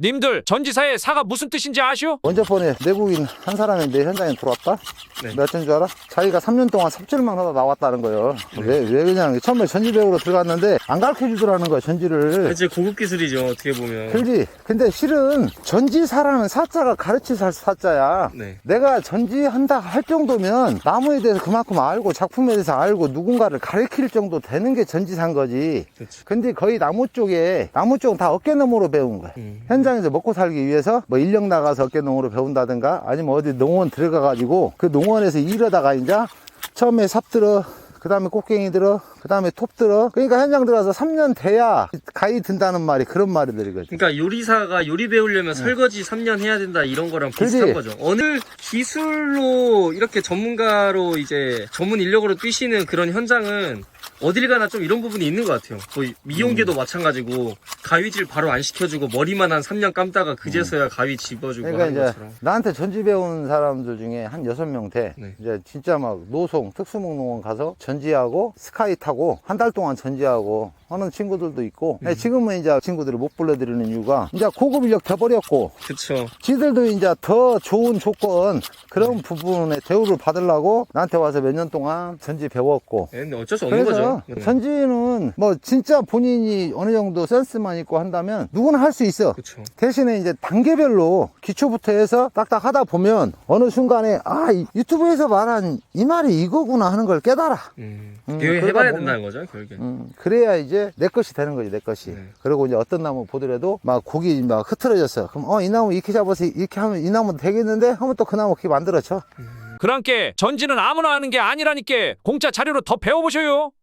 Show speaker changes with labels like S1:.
S1: 님들 전지사의 사가 무슨 뜻인지 아시오?
S2: 먼저 번에 내국인 한 사람이 내 현장에 들어왔다?
S3: 네.
S2: 몇 년 줄 알아? 자기가 3년 동안 삽질만 하다 나왔다는 거예요. 왜 그냥 처음에 전지 배우러 들어갔는데 안 가르쳐 주더라는 거야, 전지를.
S3: 이제 고급 기술이죠, 어떻게 보면.
S2: 그렇지. 근데 실은 전지사라는 사자가 가르칠 사자야.
S3: 네.
S2: 내가 전지한다 할 정도면 나무에 대해서 그만큼 알고 작품에 대해서 알고 누군가를 가르칠 정도 되는 게 전지사인 거지.
S3: 그렇죠.
S2: 근데 거의 나무 쪽은 다 어깨너머로 배운 거야. 현장에서 먹고 살기 위해서 뭐 인력 나가서 어깨너머로 배운다든가 아니면 어디 농원 들어가가지고 그 농원에서 일하다가 이제 처음에 삽 들어, 그 다음에 꽃갱이 들어, 그 다음에 톱 들어. 그러니까 현장 들어가서 3년 돼야 가위 든다는 말이 그런 말이들이거든.
S3: 그러니까 요리사가 요리 배우려면 설거지 3년 해야 된다 이런 거랑 비슷한 거죠. 어느 기술로 이렇게 전문가로 이제 전문 인력으로 뛰시는 그런 현장은 어딜 가나 좀 이런 부분이 있는 것 같아요. 거의 미용계도 마찬가지고 가위질 바로 안 시켜주고 머리만 한 3년 감다가 그제서야 가위 집어주고
S2: 그러니까
S3: 하는
S2: 이제
S3: 것처럼.
S2: 나한테 전지 배운 사람들 중에 한 6명 돼.
S3: 네.
S2: 이제 진짜 막 노송, 특수목농원 가서 전지하고 스카이 타고 한 달 동안 전지하고 하는 친구들도 있고. 근데 지금은 이제 친구들을 못 불러드리는 이유가 이제 고급 인력 돼버렸고
S3: 그쵸.
S2: 지들도 이제 더 좋은 조건 그런 부분에 대우를 받으려고 나한테 와서 몇 년 동안 전지 배웠고.
S3: 네, 근데 어쩔 수 없는
S2: 그래서
S3: 거죠. 네.
S2: 전지는 뭐 진짜 본인이 어느 정도 센스만 있고 한다면 누구나 할 수 있어.
S3: 그쵸.
S2: 대신에 이제 단계별로 기초부터 해서 딱딱 하다 보면 어느 순간에 이 유튜브에서 말한 이 말이 이거구나 하는 걸 깨달아.
S3: 이거
S2: 그러다
S3: 해봐야
S2: 보면-
S3: 된다는 거죠, 결국엔.
S2: 그래야 이제 내 것이 되는 거지, 내 것이.
S3: 네.
S2: 그리고 이제 어떤 나무 보더라도 막 곡이 막 흐트러졌어. 그럼 이 나무 이렇게 잡아서 이렇게 하면 이 나무 되겠는데 하면 또 그 나무 그렇게 만들어져.
S1: 그랑께 전지는 아무나 하는 게 아니라니께 공짜 자료로 더 배워보셔요.